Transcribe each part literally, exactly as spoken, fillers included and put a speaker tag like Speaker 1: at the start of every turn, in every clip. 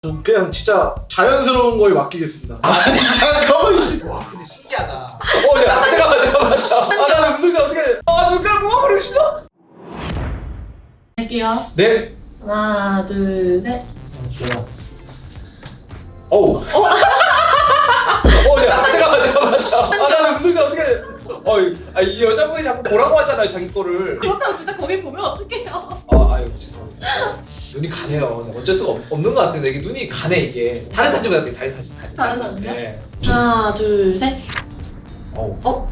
Speaker 1: 전 그냥 진짜 자연스러운 거에 맡기겠습니다. 아니 잠깐만.
Speaker 2: 와 근데 신기하다. 어 야, 잠깐만 잠깐만 잠깐만. 아 나는 눈동자 어떻게 아 눈가를 뽑아버리고 싶어.
Speaker 3: 할게요.
Speaker 2: 네.
Speaker 3: 하나, 둘, 셋.
Speaker 2: 좋아. 어우. 어 야, 잠깐만 잠깐만 잠깐만. 아 나는 눈동자 어떻게 어이 아, 이 여자분이 자꾸 보라고 하잖아요 자기 거를.
Speaker 3: 그렇다고 진짜 거기 보면 어떡해요?
Speaker 2: 아 아유 죄송합니다. 눈이 가네요. 네, 어쩔 수가 없, 없는 것 같습니다. 이게 눈이 가네 이게. 다른 사진보다 되게 다른 사진.
Speaker 3: 다른 사진이요?
Speaker 2: 네.
Speaker 3: 하나, 둘, 셋.
Speaker 2: 어우.
Speaker 3: 어?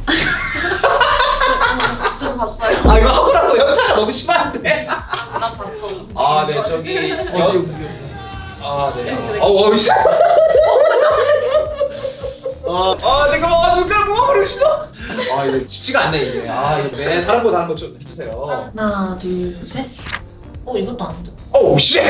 Speaker 3: 좀 봤어요.
Speaker 2: 아 이거 하고 나서 현타가 너무 심한데.
Speaker 3: 나 봤어.
Speaker 2: 아 네 저기
Speaker 1: 어디
Speaker 2: 여.
Speaker 1: 어디.
Speaker 2: 아 네. 어우 어우 씨.
Speaker 1: 아
Speaker 2: 아 잠깐만 아, 눈가를 뽑아버리고 싶어. 아 이거 쉽지가 않네 이게. 아 이거 네 다른 거 다른 거 좀 해주세요.
Speaker 3: 하나, 둘, 셋. 어, 이것도 안 돼.
Speaker 2: 어우 씨.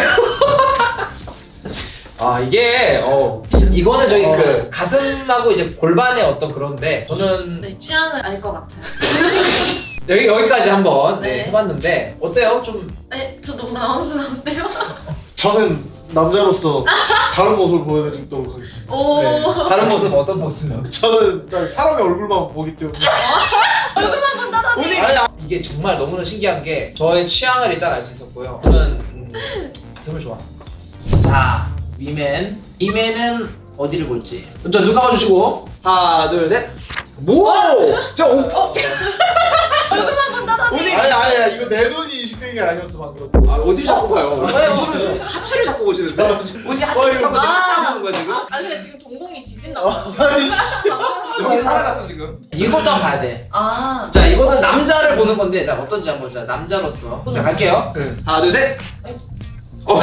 Speaker 2: 아 이게 어 이거는 저기
Speaker 1: 어.
Speaker 2: 그 가슴하고 이제 골반의 어떤 그런데 저는
Speaker 3: 네, 취향을 알 것 같아요.
Speaker 2: 여기 여기까지 한번 네,
Speaker 3: 네.
Speaker 2: 해봤는데 어때요? 좀
Speaker 3: 네, 저 너무 당황스러운데요?
Speaker 1: 저는 남자로서 다른 모습을 보여드리도록 하겠습니다.
Speaker 3: 오.
Speaker 2: 네. 다른 모습 어떤 모습?
Speaker 1: 저는 일단 사람의 얼굴만 보기 때문에.
Speaker 3: 얼굴만 본다더니.
Speaker 2: 오늘
Speaker 1: 아니, 아-
Speaker 2: 이게 정말 너무나 신기한 게 저의 취향을 일단 알 수 있었고요. 저는 음, 가슴을 좋아하는 것 같습니다. 자, 위맨. 위맨은 어디를 볼지. 저 눈 감아주시고 하나, 둘, 셋. 뭐? 저 오. 어?
Speaker 3: 얼굴만 본다더니.
Speaker 2: 오늘
Speaker 1: 아니 아니야 이거 내 눈이 인식된 게 아니었어 방금.
Speaker 2: 아 어디 자꾸 봐요? 왜 오늘 하체를 자꾸 보시는데? 어디 하체를 타고 지금 하체 하는 거야 지금?
Speaker 3: 아, 근데 지금 동공이 지진 났어.
Speaker 1: 아니
Speaker 2: 여기 살아갔어 지금. 이것도 한번 봐야 돼.
Speaker 3: 아.
Speaker 2: 자 이거는 남자를 보는 건데 자 어떤지 한번 자 남자로서 자 갈게요.
Speaker 1: 네.
Speaker 2: 하나 둘 셋. 어.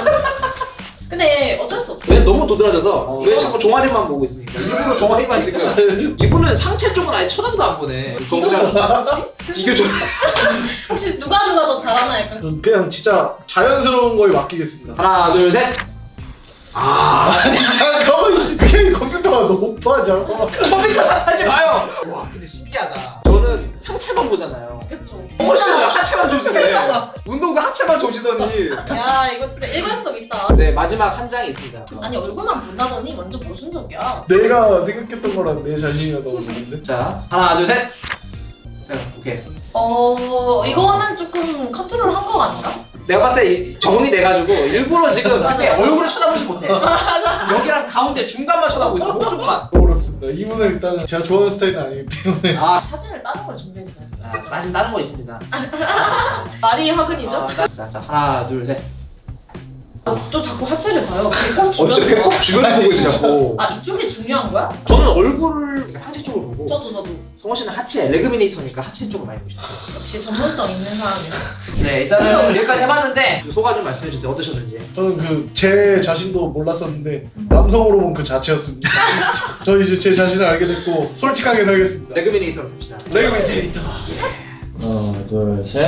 Speaker 3: 근데 어쩔 수 없어.
Speaker 2: 왜 너무 도드라져서
Speaker 1: 어.
Speaker 2: 왜 자꾸 종아리만 보고 있습니까? 일부러 종아리만 지금. 이분은 상체 쪽은 아예 쳐다도 안 보네.
Speaker 3: 혹시?
Speaker 2: 비교 좀.
Speaker 3: 혹시 누가 누가 더 잘하나 약간.
Speaker 1: 전 그냥 진짜 자연스러운 거에 맡기겠습니다.
Speaker 2: 하나 둘 셋. 아
Speaker 1: 아니 잠깐만. 그냥 컴퓨터가 너무 높아 잠깐만.
Speaker 2: 컴퓨터 탓하지 마요. 와 근데 신기하다. 저는 상체만 보잖아요.
Speaker 3: 그쵸.
Speaker 2: 훨씬 더 하체만 조지네. 운동도 하체만 조지더니.
Speaker 3: 야, 이거 진짜 일관성 있다.
Speaker 2: 네 마지막 한 장이 있습니다.
Speaker 3: 아니, 얼굴만 본다더니 완전 모순적이야.
Speaker 1: 내가 생각했던 거랑 내 자신이랑 너무 다른데.
Speaker 2: 자 하나 둘 셋. 자 오케이.
Speaker 3: 어, 이거는 조금 컨트롤 한 거 같나?
Speaker 2: 내가 봤을 때 이- 적응이 돼가지고 일부러 지금
Speaker 3: 맞아,
Speaker 2: 이렇게
Speaker 3: 맞아.
Speaker 2: 얼굴을 쳐다보지 못해. 여기랑 가운데 중간만 쳐다보고 있어. 목 쪽만.
Speaker 1: 어렵습니다. 이분은 일단은 제가 좋아하는 스타일은 아니기 때문에.
Speaker 2: 아,
Speaker 3: 사진을 다른 걸 준비했어요.
Speaker 2: 아 사진 다른 거 있습니다.
Speaker 3: 말이 화근이죠?
Speaker 2: 아, 나- 자, 자 하나 둘 셋.
Speaker 3: 어, 또 자꾸 하체를 봐요. 배꼽
Speaker 2: 어, 진짜
Speaker 3: 주변.
Speaker 2: 배꼽 주변을 보고 있으냐고.
Speaker 3: 아, 이쪽이 중요한 거야?
Speaker 2: 저는 얼굴을 상체 쪽을 보고
Speaker 3: 저도 저도.
Speaker 2: 성원 씨는 하체 레그미네이터니까 하체 쪽을 많이 보시죠.
Speaker 3: 역시 전문성 있는 사람이야.
Speaker 2: 네 일단은 여기까지 해봤는데 소감 좀 말씀해 주세요. 어떠셨는지.
Speaker 1: 저는 그 제 자신도 몰랐었는데 남성으로 본 그 자체였습니다. 저 이제 제 자신을 알게 됐고 솔직하게 살겠습니다.
Speaker 2: 레그미네이터로 삽시다.
Speaker 1: 레그미 데이터.
Speaker 4: 하나 둘 셋.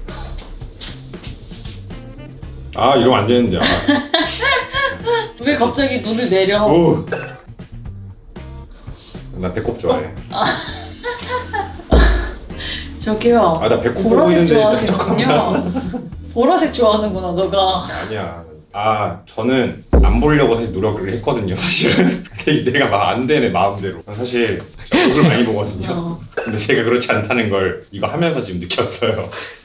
Speaker 4: 아 이러면 안 되는데. 아.
Speaker 3: 왜 갑자기 눈을 내려?
Speaker 4: 오. 나 배꼽 좋아해.
Speaker 3: 저기요.
Speaker 4: 아 나 배꼽 보고
Speaker 3: 보라색
Speaker 4: 있는데 일단
Speaker 3: 좋아하시는군요.
Speaker 4: 잠깐만.
Speaker 3: 보라색 좋아하는구나, 너가.
Speaker 4: 아니야. 아 저는 안 보려고 사실 노력을 했거든요. 사실은 근데 내가 막 안 되네 마음대로. 사실 제가 얼굴 많이 보거든요.
Speaker 3: 어.
Speaker 4: 근데 제가 그렇지 않다는 걸 이거 하면서 지금 느꼈어요.